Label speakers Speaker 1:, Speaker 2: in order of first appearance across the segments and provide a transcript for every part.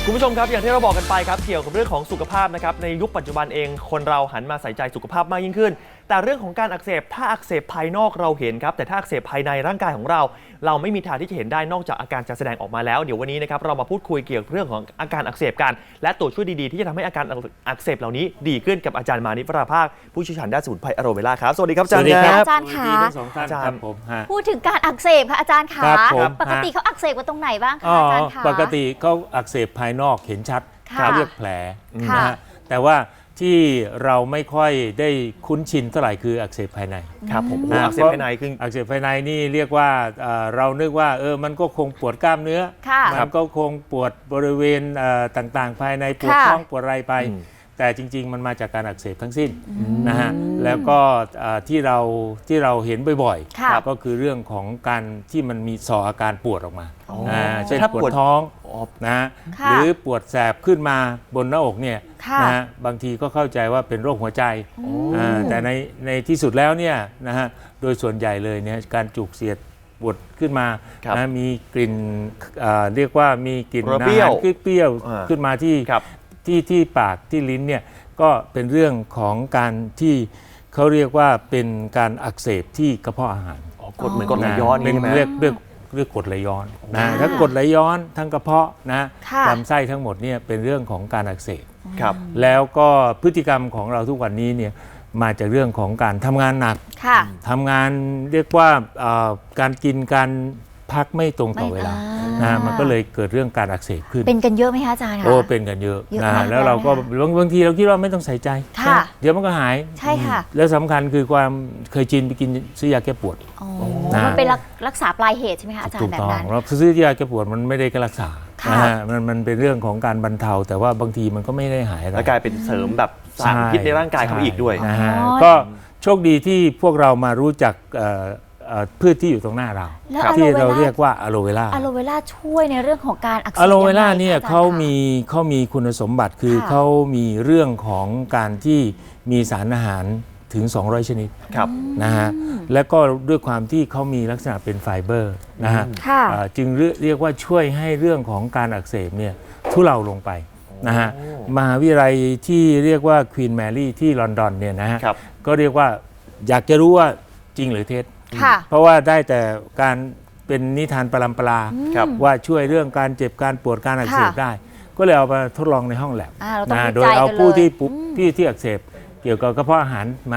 Speaker 1: คุณผู้ชมครับอย่างที่เราบอกกันไปครับเกี่ยวกับเรื่องของสุขภาพนะครับในยุคปัจจุบันเองคนเราหันมาใส่ใจสุขภาพมากยิ่งขึ้นแต่เรื่องของการอักเสบถ้าอักเสบภายนอกเราเห็นครับแต่ถ้าอักเสบภายในร่างกายของเราไม่มีทางที่จะเห็นได้นอกจากอาการจะแสดงออกมาแล้วเดี๋ยววันนี้นะครับเรามาพูดคุยเกี่ยวกับเรื่องของอาการอักเสบกันและตัวช่วยดีๆที่จะทำให้อาการอักเสบเหล่านี้ดีขึ้นกับอาจารย์มานิปราภาคผู้เชี่ยวชาญด้านสมุนไพรอะโรเวล่าครับสวัสดีครับอาจารย์ครับ
Speaker 2: อาจารย์ค่ะ
Speaker 3: ทั้งสองท่านครับผม
Speaker 2: พูดถึงการอักเสบค่ะอาจารย์ค่ะปกติเขาอักเสบกันตรงไหนบ้างคะอาจารย์คะ
Speaker 3: ปกติเขาอักเสบภายนอกเห็นชัดเรียกแผลนะฮะแต่ว่าที่เราไม่ค่อยได้คุ้นชินเท่าไหร่คืออักเสบภายใน
Speaker 1: ครับผมอักเสบภายในคือ
Speaker 3: อักเสบภายในนี่เรียกว่าเรานึกว่ามันก็คงปวดกล้ามเนื้อมันก็คงปวดบริเวณต่างๆภายในปวดท้องปวดอะไรไปแต่จริงๆมันมาจากการอักเสบทั้งสิ้นนะฮะแล้วก็ที่เราเห็นบ่อยๆก็คือเรื่องของการที่มันมีส่ออาการปวดออกมาเช่นปวดท้องนะหรือปวดแสบขึ้นมาบนหน้าอกเนี่ยนะฮะบางทีก็เข้าใจว่าเป็นโรคหัวใจแต่ในที่สุดแล้วเนี่ยนะฮะโดยส่วนใหญ่เลยเนี่ยการจุกเสียดปวดขึ้นมานะมีกลิ่นเรียกว่ามีกลิ่นอาหารเปรี้ยวขึ้นมาที่ปากที่ลิ้นเนี่ยก็เป็นเรื่องของการที่เขาเรียกว่าเป็นการอักเสบที่กระเพาะอาหาร
Speaker 1: กดเหมือนกดไหลย้อน
Speaker 3: เป็นเรียกกดไหลย้อนนะถ้ากดไหลย้อนทั้งกระเพาะนะลำไส้ทั้งหมดเนี่ยเป็นเรื่องของการอักเสบแล้วก็พฤติกรรมของเราทุกวันนี้เนี่ยมาจากเรื่องของการทำงานหนักทำงานเรียกว่าการกินการพักไม่ตรงต่อเวลามันก็เลยเกิดเรื่องการอักเสบขึ้น
Speaker 2: เป็นกันเยอะไหมคะอาจารย์คะ
Speaker 3: เป็นกันเยอะแล้วเราก็บางทีเราคิดว่าไม่ต้องใส่ใจเดี๋ยวมันก็หาย
Speaker 2: ใช่ค่ะ
Speaker 3: แล้วสำคัญคือความเคยชินไปกินซื้อยาแก้ปวด
Speaker 2: มันเป็นรักษาปลายเหตุใช่ไหมคะอาจารย์แบบนั้น
Speaker 3: เราซื้อยาแก้ปวดมันไม่ได้รักษามันเป็นเรื่องของการบรรเทาแต่ว่าบางทีมันก็ไม่ได้หาย
Speaker 1: แล้วกลายเป็นเสริมแบบสารพิษในร่างกายเขาอีกด้วย
Speaker 3: ก็โชคดีที่พวกเรามารู้จักพืชที่อยู่ตรงหน้าเราที่เราเรียกว่าอะโลเวล่า
Speaker 2: ช่วยในเรื่องของการอักเสบ
Speaker 3: อะโลเวล่าเนี่ยเขามีคุณสมบัติคือเขามีเรื่องของการที่มีสารอาหารถึง200ชนิดนะฮะและก็ด้วยความที่เขามีลักษณะเป็นไฟเบอร์นะฮะจึงเรียกว่าช่วยให้เรื่องของการอักเสบเนี่ยทุเลาลงไปนะฮะมหาวิทยาลัยที่เรียกว่าควีนแมรี่ที่ลอนดอนเนี่ยนะฮะก็เรียกว่าอยากจะรู้ว่าจริงหรือเท็จเพราะว่าได้แต่การเป็นนิทานปรำปราว่าช่วยเรื่องการเจ็บการปวดการอักเสบได้ก็เลยเอามาทดลองในห้องแลบโดยเอาผู้ที่อักเสบเกี่ยวกับกระเพาะอาหารมา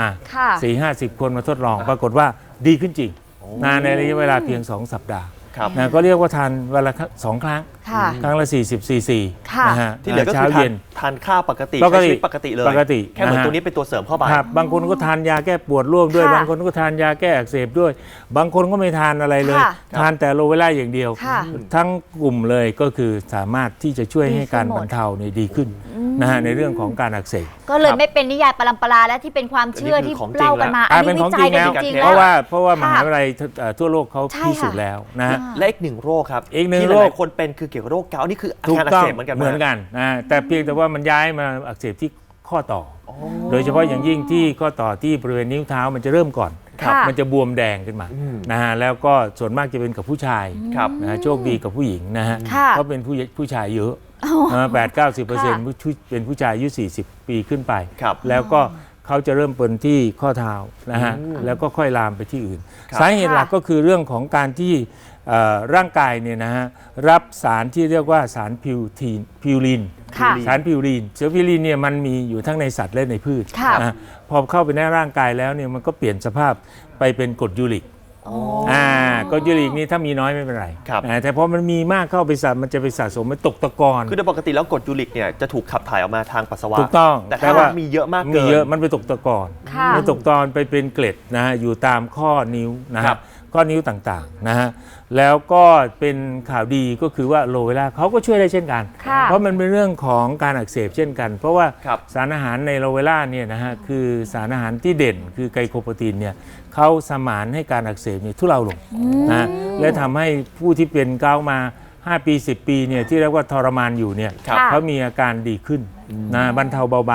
Speaker 3: 4-50 คนมาทดลองปรากฏว่าดีขึ้นจริงในระยะเวลาเพียง2 สัปดาห์ก็เรียกว่าทานวันละ2 ครั้งครั้งละ40 ซีซีนะฮะ
Speaker 1: ที่เหลือก็คือทานข้าวปกติใช้ชีวิตปกติเลยแค่เหมือนตัวนี้เป็นตัวเสริมเข้าไป
Speaker 3: บางคนก็ทานยาแก้ปวดร่วมด้วยบางคนก็ทานยาแก้อักเสบด้วยบางคนก็ไม่ทานอะไรเลยทานแต่อะโลเวล่าอย่างเดียวทั้งกลุ่มเลยก็คือสามารถที่จะช่วยให้การบรรเทาดีขึ้นนะฮะในเรื่องของการอักเสบ
Speaker 2: ก็เลยไม่เป็นนิยายปรำปราและที่เป็นความเชื่อที่เล่ากันมา
Speaker 3: อันนี้วิจัยกันจริงๆเพราะว่ามหาวิทยาลัยทั่วโลกเขาพิสูจน์แล้วนะ
Speaker 1: และอีกหนึ่งโรคครับที่หลายคนเป็นคือเกี่ยวกับโรคเกาต์นี่คืออาการอักเสบเหมือนกัน
Speaker 3: นะแต่เพียงแต่ว่ามันย้ายมาอักเสบที่ข้อต่อโดยเฉพาะอย่างยิ่งที่ข้อต่อที่บริเวณนิ้วเท้ามันจะเริ่มก่อนมันจะบวมแดงขึ้นมานะฮะแล้วก็ส่วนมากจะเป็นกับผู้ชายนะโชคดีกับผู้หญิงนะฮะเพราะเป็นผู้ชายเยอะ80-90%เป็นผู้ชายอายุ40 ปีขึ้นไปแล้วก็เขาจะเริ่มเป็นที่ข้อเท้านะฮะแล้วก็ค่อยลามไปที่อื่นสาเหตุหลักก็คือเรื่องของการที่ร่างกายเนี่ยนะฮะรับสารที่เรียกว่าสารพิวรีนสารพิวรีนเนี่ยมันมีอยู่ทั้งในสัตว์และในพืชนะพอเข้าไปในร่างกายแล้วเนี่ยมันก็เปลี่ยนสภาพไปเป็นกรดยูริกกรดยูริกนี่ถ้ามีน้อยไม่เป็นไรแต่พอมันมีมากเข้าไปมันจะไปสะสมมันตกตะกอน
Speaker 1: คือโดยปกติแล้วกรดยูริกเนี่ยจะถูกขับถ่ายออกมาทางปัสสาวะ
Speaker 3: ถูกต้อง
Speaker 1: แต่ถ้ามีเยอะมากเกิน
Speaker 3: มันไปตกตะกอนมันตกตอนไปเป็นเกล็ดนะฮะอยู่ตามข้อนิ้วนะครับข้อนิ้วต่างๆนะฮะแล้วก็เป็นข่าวดีก็คือว่าอะโลเวล่าเขาก็ช่วยได้เช่นกันเพราะมันเป็นเรื่องของการอักเสบเช่นกันเพราะว่าสารอาหารในอะโลเวล่าเนี่ยนะฮะคือสารอาหารที่เด่นคือไกลโคโปรตีนเนี่ยเขาสมานให้การอักเสบทุเลาลงนะและทำให้ผู้ที่เป็นเกาต์มา5 ปี 10 ปีเนี่ยที่เรียกว่าทรมานอยู่เนี่ยเขามีอาการดีขึ้นนะบรรเทาเบาบาง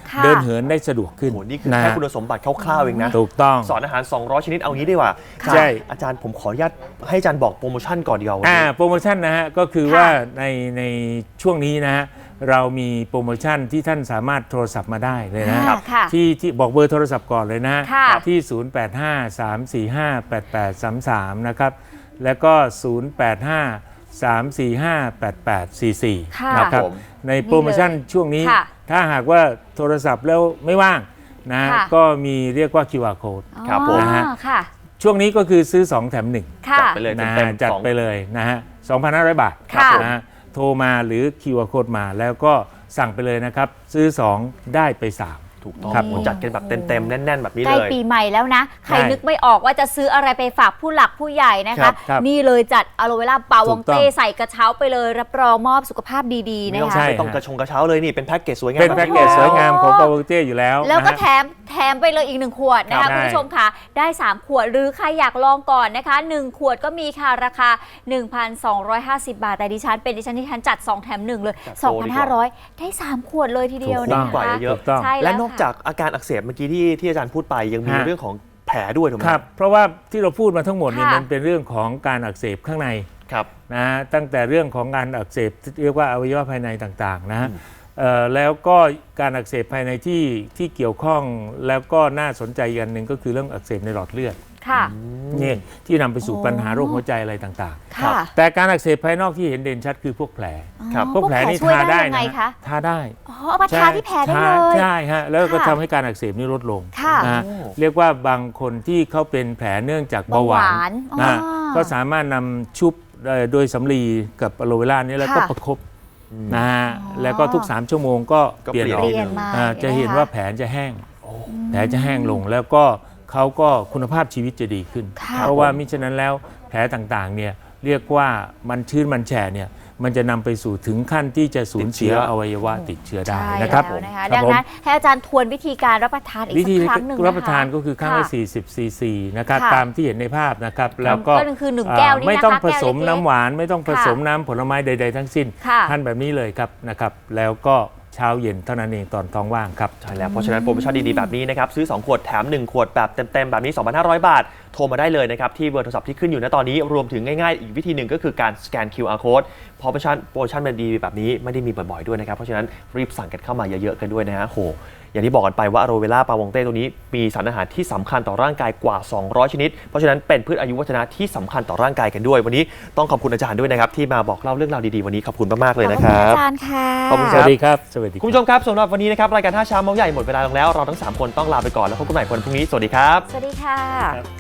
Speaker 2: ค่ะ
Speaker 3: เดินเหินได้สะดวกขึ้น
Speaker 1: โอ้โหนี่คือแค่คุณสมบัติคร่าวๆเองนะ
Speaker 3: ถูกต้อง
Speaker 1: สอนอาหาร 200 ชนิดเอางี้ดีกว่า
Speaker 3: ใช่
Speaker 1: อาจารย์ผมขออนุญาตให้อาจารย์บอกโปรโมชั่นก่อนดีกว่าวันนี้
Speaker 3: โปรโมชั่นนะฮะก็คือ
Speaker 2: ค่ะ
Speaker 3: ว่าในช่วงนี้นะฮะเรามีโปรโมชั่นที่ท่านสามารถโทรศัพท์มาได้เลยนะ
Speaker 2: ค่ะ
Speaker 3: ที่บอกเบอร์โทรศัพท์ก่อนเลยนะ
Speaker 2: ค่ะ
Speaker 3: ที่ 0853458833 นะครับแล้วก็ 0853458844
Speaker 2: ค่ะ
Speaker 3: นะครับ
Speaker 1: ผม
Speaker 3: ในโปรโมชั่นช่วงนี้
Speaker 2: ค่ะ
Speaker 3: ถ้าหากว่าโทรศัพท์แล้วไม่ว่างนะ
Speaker 2: ค่ะ
Speaker 3: ก็มีเรียกว่า QR code
Speaker 1: ครับผม
Speaker 2: อ๋อ
Speaker 3: นะฮะ
Speaker 2: ค่ะ
Speaker 3: ช่วงนี้ก็คือซื้อ 2 แถม 1
Speaker 2: ค่ะ
Speaker 1: จัดไปเลย
Speaker 3: นะ
Speaker 1: เต็
Speaker 3: ฮะ
Speaker 1: มๆ
Speaker 3: จัด
Speaker 1: สอง
Speaker 3: ไปเลยนะฮะ 2,500 บาท
Speaker 2: ค่ะ
Speaker 3: นะฮะโทรมาหรือ QR code มาแล้วก็สั่งไปเลยนะครับ ซื้อ 2 ได้ไป 3
Speaker 1: ถูกต้อง
Speaker 3: ครับ
Speaker 1: โอ้จัดกันแบบเต็มๆแน่นๆแบบนี้
Speaker 2: ใกล้
Speaker 1: เลย
Speaker 2: ปีใหม่แล้วนะ ใคร
Speaker 3: ใช่
Speaker 2: นึกไม่ออกว่าจะซื้ออะไรไปฝากผู้หลักผู้ใหญ่นะ
Speaker 3: ครั
Speaker 2: คะ
Speaker 3: บครับ
Speaker 2: นี่เลยจัดอะโลเวล่าปาวอง
Speaker 3: ถูกต้
Speaker 2: เต้
Speaker 3: อง
Speaker 2: ใส่กระเช้าไปเลย รับรองมอบสุขภาพดีๆ
Speaker 1: ไม่
Speaker 2: นะ
Speaker 1: ต้อง
Speaker 2: คะ
Speaker 3: ใช่
Speaker 1: ไม่ต้องกระเช้าเลยนี่เป็นแพ็กเกจสวยงาม
Speaker 3: เป็นแพ็กเกจสวยงามของปาวเต้อยู่แล้ว
Speaker 2: แล้วก็
Speaker 3: นะ
Speaker 2: แถ
Speaker 3: ฮะ
Speaker 2: มไปเลยอีก1ขวดนะ
Speaker 3: ครั
Speaker 2: คะ
Speaker 3: บ
Speaker 2: คุณผู้ชมค่ะได้3ขวดหรือใครอยากลองก่อนนะคะ1ขวดก็มีค่ะราคา 1,250 บาทแต่ดิฉันจัด2แถม1เลย
Speaker 1: จัดโปรดีกว่า
Speaker 2: 2,500 ได้3ขวดเลยทีเดียว
Speaker 3: ถูกต้
Speaker 2: นะ
Speaker 3: อง
Speaker 1: กว่า
Speaker 2: คะ
Speaker 1: เยอะ
Speaker 3: ถูกต้อง
Speaker 2: ใช่
Speaker 1: และ
Speaker 2: แล้ว
Speaker 1: นอก
Speaker 2: ค่ะ
Speaker 1: จากอาการอักเสบเมื่อกี้ที่อาจารย์พูดไปยังมี
Speaker 3: ฮะ
Speaker 1: เรื่องของแผลด้วยถูกไหม
Speaker 3: ครับ เพราะว่าที่เราพูดมาทั้งหมดเนี่ย
Speaker 2: ค่ะ
Speaker 3: มันเป็นเรื่องของการอักเสบข้างใน
Speaker 1: ครับ
Speaker 3: นะฮะตั้งแต่เรื่องของการอักเสบที่เรียกว่าอวัยวะภายในต่างๆนะฮะแล้วก็การอักเสบภายในที่เกี่ยวข้องแล้วก็น่าสนใจอีกอันหนึ่งก็คือเรื่องอักเสบในหลอดเลือด
Speaker 2: ค่ะ
Speaker 3: นี่ที่นำไปสู่
Speaker 2: โอ้
Speaker 3: ปัญหาโรคหัวใจอะไรต่าง
Speaker 2: ค่ะ
Speaker 3: ๆ แต่การอักเสบภายนอกที่เห็นเด่นชัดคือพวกแผล
Speaker 1: ครับ
Speaker 3: พวกแผลนี่
Speaker 2: ช่วย
Speaker 3: ทาได้
Speaker 2: ยังไง
Speaker 3: นะ
Speaker 2: คะ
Speaker 3: ทาได้
Speaker 2: อ๋อเอามาทาที่แผลได้เลย
Speaker 3: ใช่ฮะแล้วก็
Speaker 2: ค่ะ
Speaker 3: ทำให้การอักเสบนี่ลดลง
Speaker 2: ค่ะ
Speaker 3: นะฮะ
Speaker 1: โอ้
Speaker 3: เรียกว่าบางคนที่เขาเป็นแผลเนื่องจากเบาหวา
Speaker 2: เบาหวาน น
Speaker 3: นะฮะ
Speaker 2: อ๋อ
Speaker 3: ก็สามารถนำชุบโดยสำลีกับอะโลเวล่านี้แล้วก็
Speaker 2: ค่ะ
Speaker 3: ประคบนะฮะแล้วก็ทุก 3 ชั่วโมงก็
Speaker 1: ก็
Speaker 3: เปลี่ยน
Speaker 1: เปลี่ยน
Speaker 3: ออก
Speaker 2: เปลี่ยนมา
Speaker 3: จะเห็น
Speaker 2: นะคะ
Speaker 3: ว่าแผลจะแห้งแผลจะแห้งลงแล้วก็เขาก็คุณภาพชีวิตจะดีขึ้น
Speaker 2: ค่ะ
Speaker 3: เพราะว่ามิฉะนั้นแล้วแผลต่างๆเนี่ยเรียกว่ามันชื้นมันแฉะเนี่ยมันจะนำไปสู่ถึงขั้นที่จะสูญเสีย
Speaker 1: ติดเชื้อ
Speaker 3: อวัยวะติดเชื้อได้
Speaker 2: ใช่
Speaker 3: นะครับ
Speaker 2: แล้วนะคะ
Speaker 3: ครับ
Speaker 2: ดัง
Speaker 3: ผม
Speaker 2: นั้นให้อาจารย์ทวนวิธีการรับประทานอีก
Speaker 3: วิ
Speaker 2: สั
Speaker 3: ธี
Speaker 2: กครั้งหนึ่งนะคะ
Speaker 3: รับประทานก็คือข้างละ
Speaker 2: ค่ะ
Speaker 3: 40 ซีซีนะครับ
Speaker 2: ค่ะ
Speaker 3: ตามที่เห็นในภาพนะครับแล้วก็
Speaker 2: ก็คือ1แก้วนี่นะคะ
Speaker 3: ไม่ต้องผสม
Speaker 2: แก้วเล็กๆ
Speaker 3: น้ำหวานไม่ต้องผสมน้ำผลไม้ใด ๆ ทั้งสิ้น
Speaker 2: ค่ะ
Speaker 3: ทานแบบนี้เลยครับนะครับแล้วก็เช้าเย็นเท่านั้นเองตอนท้องว่างครับ
Speaker 1: ใช่แล้วเพราะฉะนั้นโปรโมชั่นดีๆแบบนี้นะครับซื้อ 2 ขวดแถม 1 ขวดแบบเต็มๆแบบนี้ 2,500 บาท โทรมาได้เลยนะครับที่เบอร์โทรศัพท์ที่ขึ้นอยู่ณตอนนี้รวมถึงง่ายๆอีกวิธีหนึ่งก็คือการสแกน QR code เพราะโปรโมชั่นมันดีแบบนี้ไม่ได้มีบ่อยๆด้วยนะครับเพราะฉะนั้นรีบสั่งกันเข้ามาเยอะๆกันด้วยนะฮะโหอย่างที่บอกกันไปว่าอะโรเวล่าปาวงเต้ตัวนี้มีสารอาหารที่สำคัญต่อร่างกายกว่า 200 ชนิด เพราะฉะนั้นเป็นพืชอายุวัฒนะที่สำคัญต่อร่างกายกันด้วย วันนี้ต้องขอบคุณอาจารย์ด้วยนะครับที่มาบอกเล่าเรื่องราวดีๆวันนี้ขอบคุณมากๆเลยนะค
Speaker 2: ขอบ
Speaker 1: รั
Speaker 2: คุณ
Speaker 1: บ
Speaker 2: อาจารย์ค่ะ
Speaker 1: ขอบคุณ
Speaker 3: สวัสดีครับสวัสดี
Speaker 1: คุณผู้ชมครับสำหรับวันนี้นะครับรายการท่าเช้าเมาส์ใหญ่หมดเวลาลงแล้วเราทั้ง3คนต้องลาไปก่อนแล้วพบกันใหม่วันพรุ่งนี้สวัสดีครับ
Speaker 2: สวัสดีค่ะ